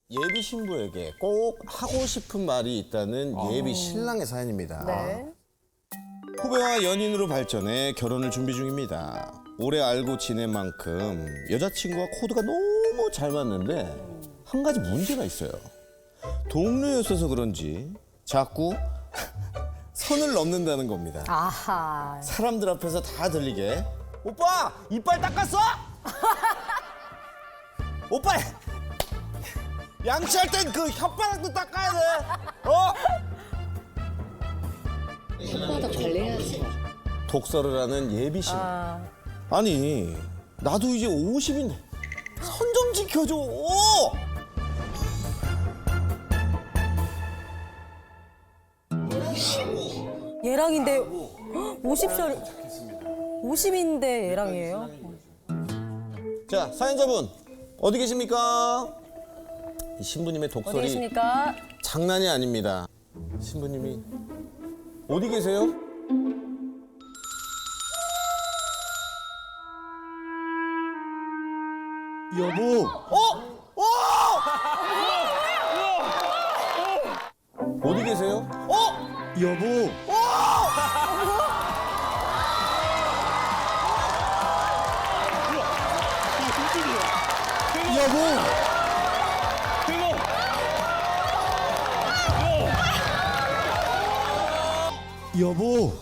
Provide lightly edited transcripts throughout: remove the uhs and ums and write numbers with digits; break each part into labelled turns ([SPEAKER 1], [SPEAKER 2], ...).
[SPEAKER 1] 예비 신부에게 꼭 하고 싶은 말이 있다는 예비 신랑의 사연입니다.
[SPEAKER 2] 네.
[SPEAKER 1] 후배와 연인으로 발전해 결혼을 준비 중입니다. 오래 알고 지낸 만큼 여자친구와 코드가 너무 잘 맞는데 한 가지 문제가 있어요. 동료였어서 그런지 자꾸 선을 넘는다는 겁니다.
[SPEAKER 2] 아하.
[SPEAKER 1] 사람들 앞에서 다 들리게 오빠 이빨 닦았어? 오빠 양치할 땐 그 혓바닥도 닦아야 돼. 어?
[SPEAKER 3] 혓바닥 관리해야지.
[SPEAKER 1] 독서를 하는 예비신. 아니 나도 이제 50인데 선 좀 지켜줘.
[SPEAKER 2] 얘랑인데 50살 50인데 얘랑이에요?
[SPEAKER 1] 자 사연자분 어디 계십니까? 이 신부님의
[SPEAKER 2] 어디
[SPEAKER 1] 독설이
[SPEAKER 2] 계십니까?
[SPEAKER 1] 장난이 아닙니다. 신부님이 어디 계세요?
[SPEAKER 4] 여보.
[SPEAKER 1] 어디 계세요?
[SPEAKER 4] 여보. 여보. 여보.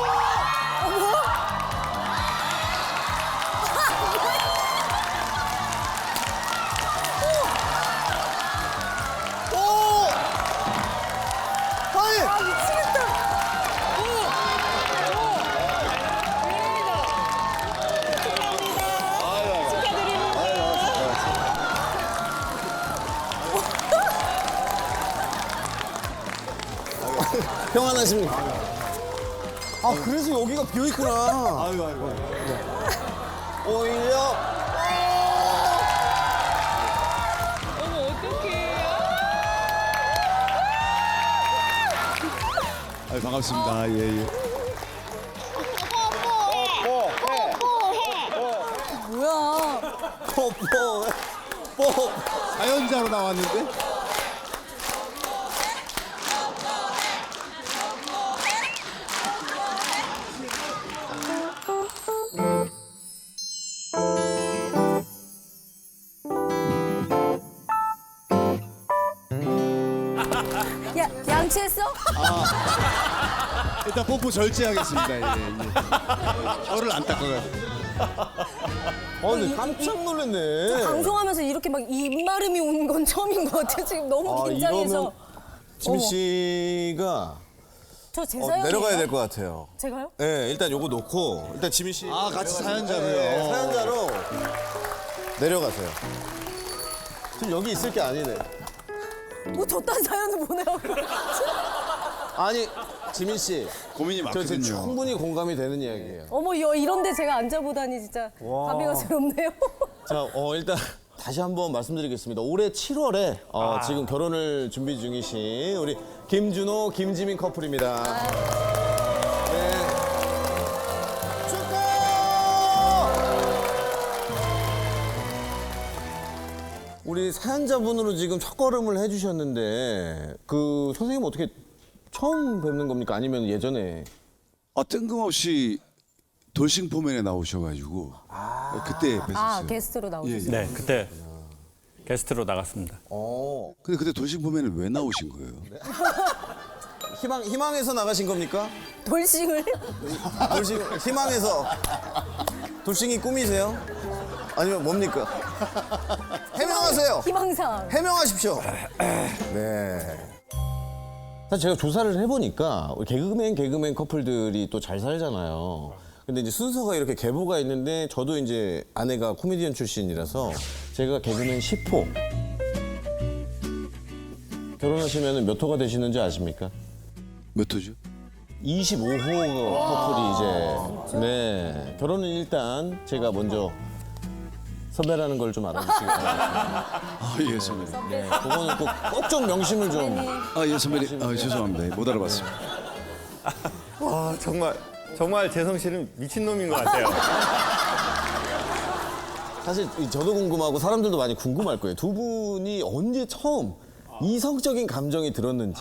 [SPEAKER 1] 평안하십니까? 아 그래서 여기가 비어있구나.
[SPEAKER 4] 아이고.
[SPEAKER 1] 오히려
[SPEAKER 4] 아유, 반갑습니다. 예, 예.
[SPEAKER 2] 뭐야?
[SPEAKER 1] 뽀
[SPEAKER 4] 사연자로 나왔는데?
[SPEAKER 2] 야, 양치했어?
[SPEAKER 4] 일단 뽀뽀 절제하겠습니다. 예, 예. 혀를 안 닦아가지고.
[SPEAKER 1] 근데 깜짝 놀랐네.
[SPEAKER 2] 방송하면서 이렇게 막 입마름이 온 건 처음인 것 같아. 지금 너무 긴장해서.
[SPEAKER 1] 이러면 지민 씨가
[SPEAKER 2] 저 제 사연이에요?
[SPEAKER 1] 내려가야 될 것 같아요.
[SPEAKER 2] 제가요?
[SPEAKER 1] 네, 일단 요거 놓고 일단 지민 씨
[SPEAKER 4] 아, 같이 사연자로요.
[SPEAKER 1] 네, 사연자로 내려가세요. 지금 여기 있을 게 아니네.
[SPEAKER 2] 뭐 저딴 사연을 보내라고.
[SPEAKER 1] 아니 지민 씨,
[SPEAKER 4] 고민이
[SPEAKER 1] 저 지금
[SPEAKER 4] 많거든요.
[SPEAKER 1] 충분히 공감이 되는 이야기예요.
[SPEAKER 2] 어머, 이런데 제가 앉아보다니 진짜 감회가 새롭네요.
[SPEAKER 1] 자, 일단 다시 한번 말씀드리겠습니다. 올해 7월에 지금 결혼을 준비 중이신 우리 김준호, 김지민 커플입니다. 네. 축하! 우리 사연자분으로 지금 첫걸음을 해주셨는데 그 선생님 어떻게 처음 뵙는 겁니까? 아니면 예전에?
[SPEAKER 4] 뜬금없이 돌싱포맨에 나오셔가지고 그때 뵀었어요.
[SPEAKER 2] 아, 게스트로 나오셨어요?
[SPEAKER 5] 네, 그때 게스트로 나갔습니다.
[SPEAKER 4] 근데 그때 돌싱포맨에 왜 나오신 거예요?
[SPEAKER 1] 희망에서 나가신 겁니까?
[SPEAKER 2] 돌싱을?
[SPEAKER 1] 희망에서 돌싱이 꿈이세요? 아니면 뭡니까? 해명하세요.
[SPEAKER 2] 희망상.
[SPEAKER 1] 해명하십시오. 네. 사실 제가 조사를 해보니까 우리 개그맨 커플들이 또 잘 살잖아요. 근데 이제 순서가 이렇게 계보가 있는데 저도 이제 아내가 코미디언 출신이라서 제가 개그맨 10호. 결혼하시면 몇 호가 되시는지 아십니까?
[SPEAKER 4] 몇 호죠?
[SPEAKER 1] 25호 커플이 이제 네 결혼은 일단 제가 먼저 섭외라는 걸 좀 알아주시기 바랍니다.
[SPEAKER 4] 예, 선배님.
[SPEAKER 1] 네, 그거는 꼭 좀 명심을 좀.
[SPEAKER 4] 예, 선배님. 죄송합니다. 못 알아봤습니다.
[SPEAKER 6] 와 정말 재성 씨는 미친놈인 것 같아요.
[SPEAKER 1] 사실 저도 궁금하고 사람들도 많이 궁금할 거예요. 두 분이 언제 처음 이성적인 감정이 들었는지.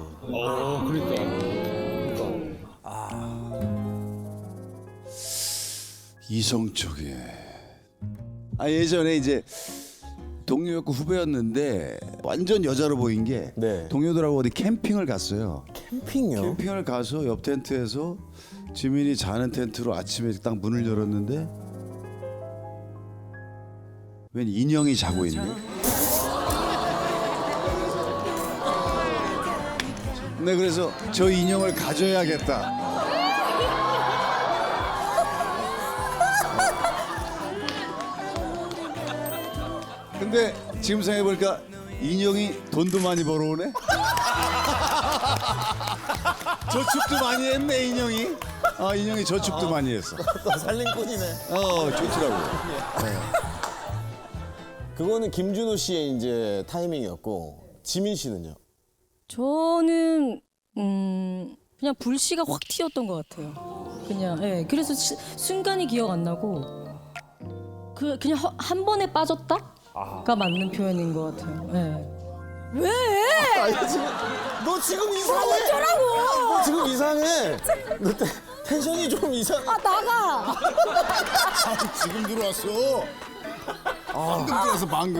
[SPEAKER 4] 이성적인. 예전에 이제 동료였고 후배였는데 완전 여자로 보인 게
[SPEAKER 1] 네.
[SPEAKER 4] 동료들하고 어디 캠핑을 갔어요.
[SPEAKER 1] 캠핑요?
[SPEAKER 4] 캠핑을 가서 옆 텐트에서 지민이 자는 텐트로 아침에 딱 문을 열었는데 웬 인형이 자고 있네. 네, 그래서 저 인형을 가져야겠다. 근데 지금 생각해보니까 인형이 돈도 많이 벌어오네. 저축도 많이 했네 인형이. 인형이 저축도 많이 했어.
[SPEAKER 1] 또 살림꾼이네.
[SPEAKER 4] 좋더라고.
[SPEAKER 1] 그거는 김준호 씨의 이제 타이밍이었고 지민 씨는요?
[SPEAKER 2] 저는 그냥 불씨가 확 튀었던 것 같아요. 그냥 예. 그래서 순간이 기억 안 나고 그냥 한 번에 빠졌다가 맞는 표현인 것 같아요. 예. 왜?
[SPEAKER 1] 너 지금 이상해.
[SPEAKER 2] 어쩌라고?
[SPEAKER 1] 너 지금 이상해. 너 텐션이 좀 이상.
[SPEAKER 2] 나가.
[SPEAKER 4] 지금 들어왔어. 방금 들어왔어 방금.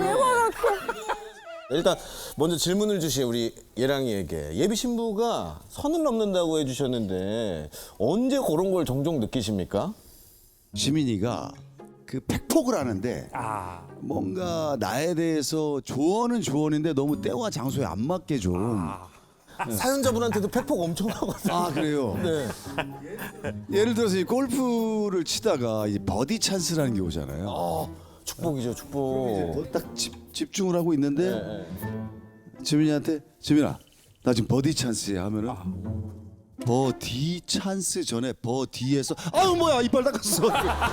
[SPEAKER 1] 일단 먼저 질문을 주신 우리 예랑이에게 예비 신부가 선을 넘는다고 해주셨는데 언제 그런 걸 종종 느끼십니까?
[SPEAKER 4] 지민이가 그 팩폭을 하는데 뭔가 나에 대해서 조언은 조언인데 너무 때와 장소에 안 맞게 좀.
[SPEAKER 1] 사연자분한테도 팩폭 엄청 하거든요.
[SPEAKER 4] 그래요.
[SPEAKER 1] 네.
[SPEAKER 4] 예를 들어서 이 골프를 치다가 이 버디 찬스라는 게 오잖아요.
[SPEAKER 1] 축복이죠, 축복.
[SPEAKER 4] 딱 집중을 하고 있는데
[SPEAKER 1] 네.
[SPEAKER 4] 지민이한테 지민아 나 지금 버디 찬스야 하면은 버디 찬스 전에 버디에서 아유 뭐야 이빨 닦았어.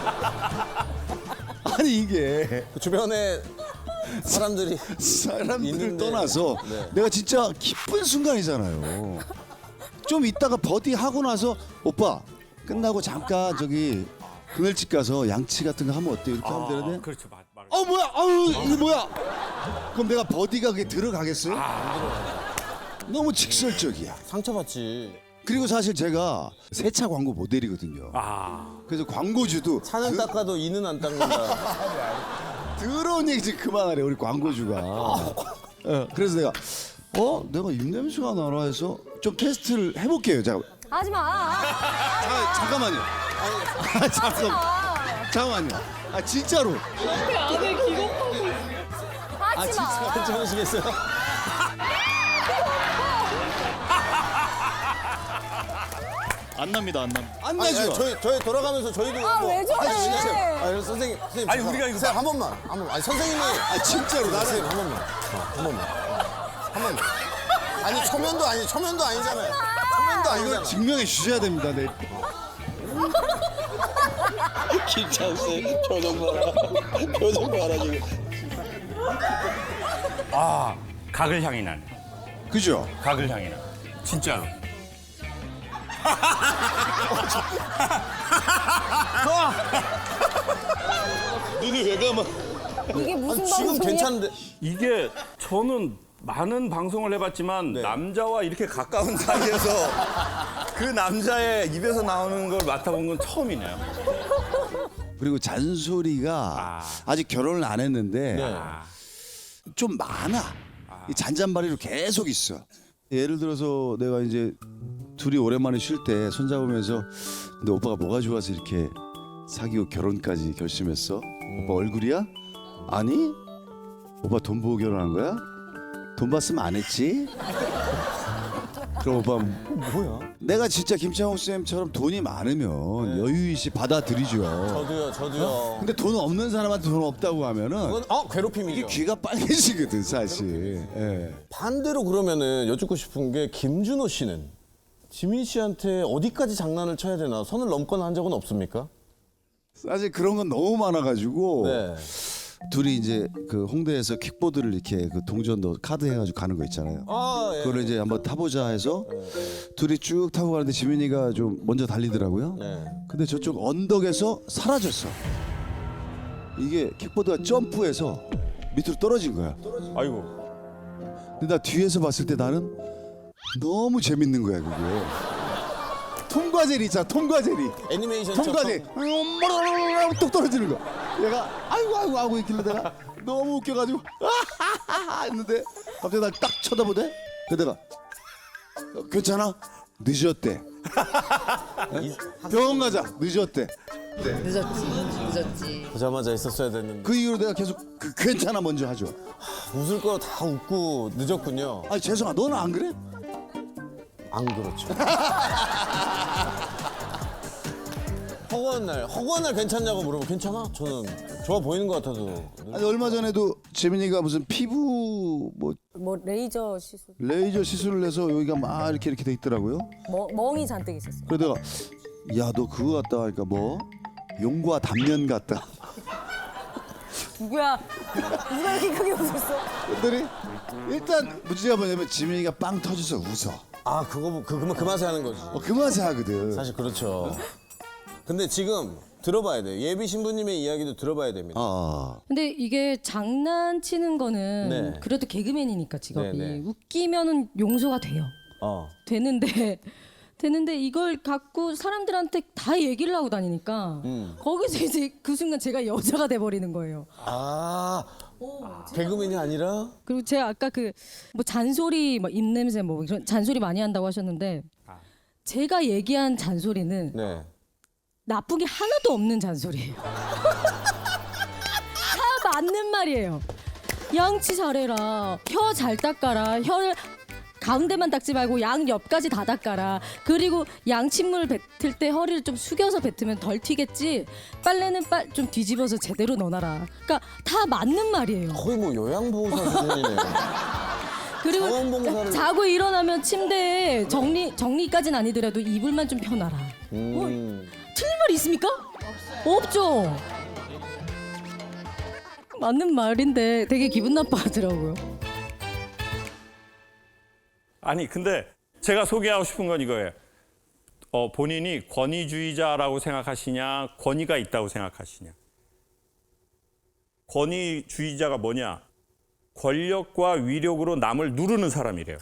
[SPEAKER 4] 아니 이게
[SPEAKER 1] 그 주변에 사람들이
[SPEAKER 4] 사람들을
[SPEAKER 1] 있는데.
[SPEAKER 4] 떠나서
[SPEAKER 1] 네.
[SPEAKER 4] 내가 진짜 기쁜 순간이잖아요. 좀 이따가 버디 하고 나서 오빠 끝나고 잠깐 저기 그늘집 가서 양치 같은 거 하면 어때? 이렇게 하면 되는데
[SPEAKER 5] 그렇죠.
[SPEAKER 4] 뭐야 아유 이게 뭐야? 그럼 내가 버디가 그게 들어가겠어요? 너무 직설적이야.
[SPEAKER 1] 상처받지.
[SPEAKER 4] 그리고 사실 제가 세차 광고 모델이거든요. 그래서 광고주도
[SPEAKER 1] 차는 닦아도 이는 안 닦는다.
[SPEAKER 4] 더러운 얘기 좀 그만하래 우리 광고주가. 그래서 내가 입냄새가 나나 해서 좀 테스트를 해볼게요.
[SPEAKER 2] 하지 마.
[SPEAKER 4] 잠깐만요. 잠깐만요. 진짜로.
[SPEAKER 2] 하지 마.
[SPEAKER 1] 괜찮으시겠어요?
[SPEAKER 6] 안 납니다, 안 납니다.
[SPEAKER 4] 안 나죠?
[SPEAKER 1] 저희 돌아가면서 저희도
[SPEAKER 2] 왜 저래?
[SPEAKER 1] 선생님
[SPEAKER 5] 아니, 우리가 이거
[SPEAKER 1] 선생님, 한 번만. 아니 선생님이
[SPEAKER 4] 진짜로
[SPEAKER 1] 선생님 한 번만. 한 번만. 아니 초면도 아니잖아요. 초면도 아니잖아.
[SPEAKER 4] 증명해 주셔야 됩니다. 네.
[SPEAKER 6] 김찬수 표정 봐라. 표정 봐라 지금.
[SPEAKER 5] 각을 향이 나네.
[SPEAKER 4] 그죠?
[SPEAKER 5] 각을 향이 나. 진짜로.
[SPEAKER 6] 눈이 왜 감아?
[SPEAKER 2] 이게 무슨
[SPEAKER 1] 지금
[SPEAKER 2] 방송이야?
[SPEAKER 1] 괜찮은데.
[SPEAKER 5] 이게 저는 많은 방송을 해봤지만 남자와 이렇게 가까운 사이에서 그 남자의 입에서 나오는 걸 맡아본 건 처음이네요.
[SPEAKER 4] 그리고 잔소리가 아직 결혼을 안 했는데 좀 많아. 이 잔잔바리로 계속 있어. 예를 들어서 내가 이제 둘이 오랜만에 쉴 때 손잡으면서 근데 오빠가 뭐가 좋아서 이렇게 사귀고 결혼까지 결심했어? 오빠 얼굴이야? 아니? 오빠 돈 보고 결혼한 거야? 돈 봤으면 안 했지? 그럼 오빠
[SPEAKER 1] 뭐야?
[SPEAKER 4] 내가 진짜 김창호 쌤처럼 돈이 많으면 여유있이 받아들이죠.
[SPEAKER 1] 저도요.
[SPEAKER 4] 근데 돈 없는 사람한테 돈 없다고 하면은
[SPEAKER 1] 그건 괴롭힘이죠.
[SPEAKER 4] 이게 귀가 빨개지거든 사실. 예.
[SPEAKER 1] 반대로 그러면은 여쭙고 싶은 게 김준호 씨는 지민 씨한테 어디까지 장난을 쳐야 되나 선을 넘거나 한 적은 없습니까?
[SPEAKER 4] 사실 그런 건 너무 많아가지고
[SPEAKER 1] 네.
[SPEAKER 4] 둘이 이제 그 홍대에서 킥보드를 이렇게 그 동전도 카드 해가지고 가는 거 있잖아요.
[SPEAKER 1] 예.
[SPEAKER 4] 그걸 이제 한번 타보자 해서 둘이 쭉 타고 가는데 지민이가 좀 먼저 달리더라고요.
[SPEAKER 1] 네.
[SPEAKER 4] 근데 저쪽 언덕에서 사라졌어. 이게 킥보드가 점프해서 밑으로 떨어진 거야.
[SPEAKER 5] 아이고.
[SPEAKER 4] 근데 나 뒤에서 봤을 때 나는 너무 재밌는 거야 그게. 톰과 제리 있잖아. 톰과 제리.
[SPEAKER 1] 애니메이션처럼.
[SPEAKER 4] 톰과 제리. 뚝 떨어지는 거. 얘가 아이고 하고 있길래 내가 너무 웃겨가지고 했는데 갑자기 날 딱 쳐다보대. 그러다가 괜찮아? 늦었대. 병원 가자. 늦었대.
[SPEAKER 3] 늦었지.
[SPEAKER 1] 보자마자 있었어야 됐는데.
[SPEAKER 4] 그 이후로 내가 계속 괜찮아 먼저 하죠.
[SPEAKER 1] 웃을 거 다 웃고 늦었군요.
[SPEAKER 4] 아니 죄송아 너는 안 그래?
[SPEAKER 1] 안 그렇죠. 허구한 날 괜찮냐고 물어보면 괜찮아? 저는 좋아 보이는 것 같아도.
[SPEAKER 4] 아니 얼마 전에도 재민이가 무슨 피부 뭐
[SPEAKER 7] 뭐 레이저 시술
[SPEAKER 4] 레이저 시술을 해서 여기가 막 이렇게 돼 있더라고요.
[SPEAKER 7] 멍이 잔뜩 있었어요.
[SPEAKER 4] 그러다가 야 너 그거 같다 하니까 뭐 용과 단면 같다.
[SPEAKER 7] 누가 이렇게 크게 웃었어?
[SPEAKER 4] 그랬더니 일단 문제가 뭐냐면 지민이가 빵 터져서 웃어.
[SPEAKER 1] 아 그 맛에 하는 거지.
[SPEAKER 4] 그 맛에 하거든.
[SPEAKER 1] 사실 그렇죠. 근데 지금 들어봐야 돼요. 예비 신부님의 이야기도 들어봐야 됩니다.
[SPEAKER 2] 근데 이게 장난치는 거는
[SPEAKER 1] 네.
[SPEAKER 2] 그래도 개그맨이니까 직업이
[SPEAKER 1] 네, 네.
[SPEAKER 2] 웃기면은 용서가 돼요. 되는데 이걸 갖고 사람들한테 다 얘기를 하고 다니니까 거기서 이제 그 순간 제가 여자가 돼 버리는 거예요.
[SPEAKER 1] 개그맨이 아니라?
[SPEAKER 2] 그리고 제가 아까 그 뭐 잔소리 뭐 입냄새 뭐 이런 잔소리 많이 한다고 하셨는데 제가 얘기한 잔소리는
[SPEAKER 1] 네.
[SPEAKER 2] 나쁜 게 하나도 없는 잔소리예요. 다 맞는 말이에요. 양치 잘해라. 혀 잘 닦아라. 혀를 가운데만 닦지 말고 양 옆까지 다 닦아라. 그리고 양침물 뱉을 때 허리를 좀 숙여서 뱉으면 덜 튀겠지. 빨래는 좀 뒤집어서 제대로 넣어놔라. 그러니까 다 맞는 말이에요.
[SPEAKER 1] 거의 뭐 요양보호사 수준이네요.
[SPEAKER 2] 그리고
[SPEAKER 1] 자원봉사를-
[SPEAKER 2] 자고 일어나면 침대에 정리까지는 아니더라도 이불만 좀 펴놔라. 뭐, 틀린 말이 있습니까? 없죠. 맞는 말인데 되게 기분 나빠하더라고요.
[SPEAKER 5] 아니 근데 제가 소개하고 싶은 건 이거예요. 본인이 권위주의자라고 생각하시냐, 권위가 있다고 생각하시냐. 권위주의자가 뭐냐? 권력과 위력으로 남을 누르는 사람이래요.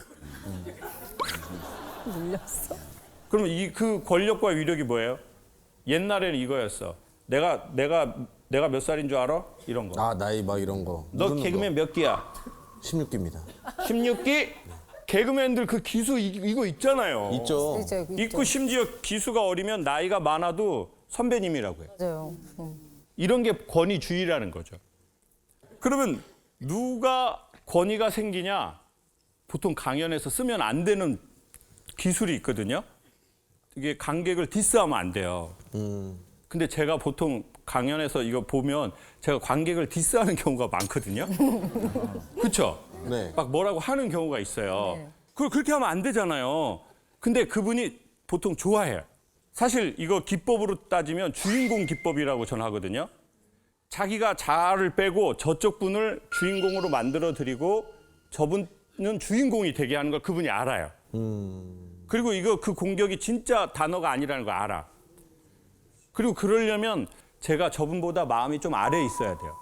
[SPEAKER 7] 눌렸어?
[SPEAKER 5] 그럼 그 권력과 위력이 뭐예요? 옛날에는 이거였어. 내가 몇 살인 줄 알아? 이런 거.
[SPEAKER 1] 아 나이 막 이런 거.
[SPEAKER 5] 너 개그맨 몇 기야?
[SPEAKER 1] 16기입니다.
[SPEAKER 5] 16기? 개그맨들 그 기수 이거 있잖아요.
[SPEAKER 1] 있죠.
[SPEAKER 5] 있고 심지어 기수가 어리면 나이가 많아도 선배님이라고 해요.
[SPEAKER 7] 맞아요.
[SPEAKER 5] 이런 게 권위주의라는 거죠. 그러면 누가 권위가 생기냐? 보통 강연에서 쓰면 안 되는 기술이 있거든요. 이게 관객을 디스하면 안 돼요. 근데 제가 보통 강연에서 이거 보면 제가 관객을 디스하는 경우가 많거든요. 그렇죠?
[SPEAKER 1] 네.
[SPEAKER 5] 막 뭐라고 하는 경우가 있어요. 그걸 그렇게 하면 안 되잖아요. 근데 그분이 보통 좋아해요. 사실 이거 기법으로 따지면 주인공 기법이라고 저는 하거든요. 자기가 자아를 빼고 저쪽 분을 주인공으로 만들어 드리고 저분은 주인공이 되게 하는 걸 그분이 알아요. 그리고 이거 그 공격이 진짜 단어가 아니라는 걸 알아. 그리고 그러려면 제가 저분보다 마음이 좀 아래에 있어야 돼요.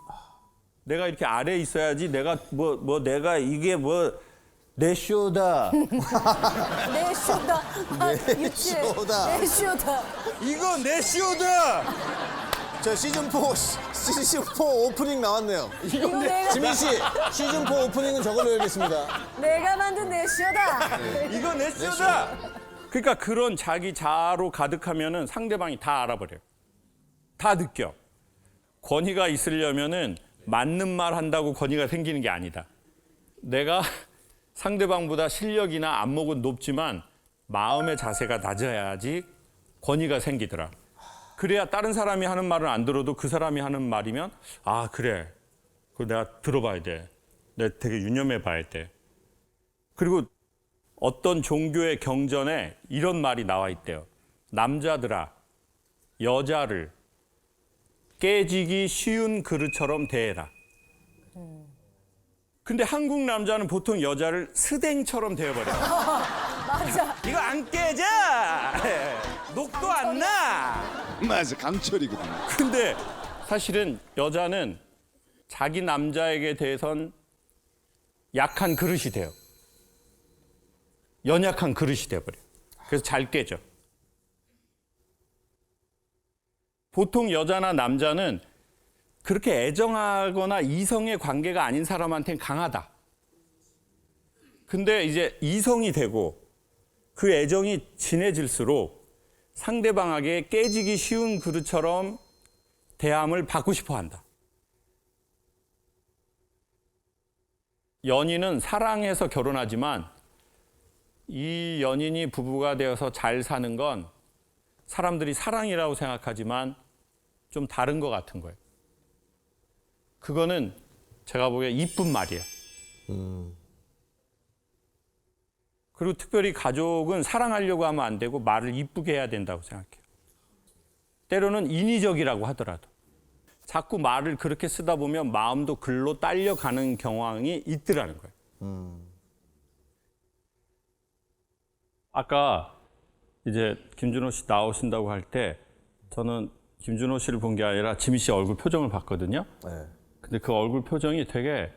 [SPEAKER 5] 내가 이렇게 아래에 있어야지 내가 내가 이게 내 쇼다.
[SPEAKER 7] 내 쇼다. 유치해.
[SPEAKER 1] 쇼다.
[SPEAKER 7] 내 쇼다.
[SPEAKER 5] 이거 내 쇼다.
[SPEAKER 1] 저 시즌4 오프닝 나왔네요.
[SPEAKER 7] 이거 내가
[SPEAKER 1] 지민 씨 시즌4 오프닝은 저걸로 해야겠습니다.
[SPEAKER 7] 내가 만든 내 쇼다.
[SPEAKER 5] 이거 내 쇼다. 그러니까 그런 자기 자아로 가득하면은 상대방이 다 알아버려요. 다 느껴. 권위가 있으려면은 맞는 말 한다고 권위가 생기는 게 아니다. 내가 상대방보다 실력이나 안목은 높지만 마음의 자세가 낮아야지 권위가 생기더라. 그래야 다른 사람이 하는 말을 안 들어도 그 사람이 하는 말이면 아 그래. 그거 내가 들어봐야 돼. 내가 되게 유념해 봐야 돼. 그리고 어떤 종교의 경전에 이런 말이 나와 있대요. 남자들아, 여자를 깨지기 쉬운 그릇처럼 대해라. 근데 한국 남자는 보통 여자를 스댕처럼 대해버려요.
[SPEAKER 7] 맞아.
[SPEAKER 5] 이거 안 깨져! 녹도 안 나!
[SPEAKER 4] 맞아 강철이거든.
[SPEAKER 5] 근데 사실은 여자는 자기 남자에게 대해선 약한 그릇이 돼요. 연약한 그릇이 돼버려요. 그래서 잘 깨져. 보통 여자나 남자는 그렇게 애정하거나 이성의 관계가 아닌 사람한테는 강하다. 근데 이제 이성이 되고 그 애정이 진해질수록 상대방에게 깨지기 쉬운 그릇처럼 대함을 받고 싶어 한다. 연인은 사랑해서 결혼하지만 이 연인이 부부가 되어서 잘 사는 건 사람들이 사랑이라고 생각하지만 좀 다른 것 같은 거예요. 그거는 제가 보기에 이쁜 말이에요. 그리고 특별히 가족은 사랑하려고 하면 안 되고 말을 이쁘게 해야 된다고 생각해요. 때로는 인위적이라고 하더라도. 자꾸 말을 그렇게 쓰다 보면 마음도 글로 딸려가는 경향이 있더라는 거예요. 아까 이제 김준호 씨 나오신다고 할 때 저는 김준호 씨를 본 게 아니라 지미 씨 얼굴 표정을 봤거든요. 근데 그 얼굴 표정이 되게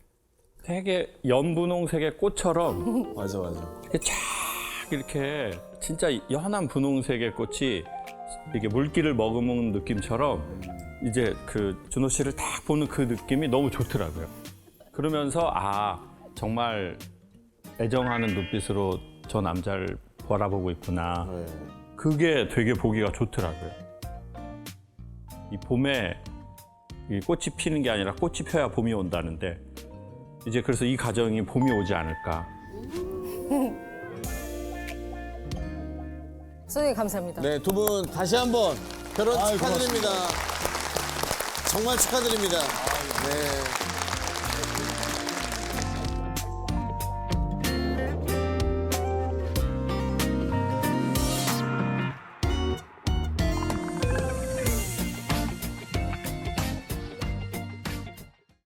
[SPEAKER 5] 연분홍색의 꽃처럼
[SPEAKER 6] 맞아.
[SPEAKER 5] 이렇게 쫙 이렇게 진짜 연한 분홍색의 꽃이 이렇게 물기를 머금은 느낌처럼 이제 그 준호 씨를 딱 보는 그 느낌이 너무 좋더라고요. 그러면서 아 정말 애정하는 눈빛으로 저 남자를 바라보고 있구나. 그게 되게 보기가 좋더라고요. 이 봄에 이 꽃이 피는 게 아니라 꽃이 펴야 봄이 온다는데 이제 그래서 이 가정이 봄이 오지 않을까.
[SPEAKER 7] 선생님 감사합니다.
[SPEAKER 1] 네, 두 분 다시 한번 결혼 축하드립니다. 정말 축하드립니다. 네.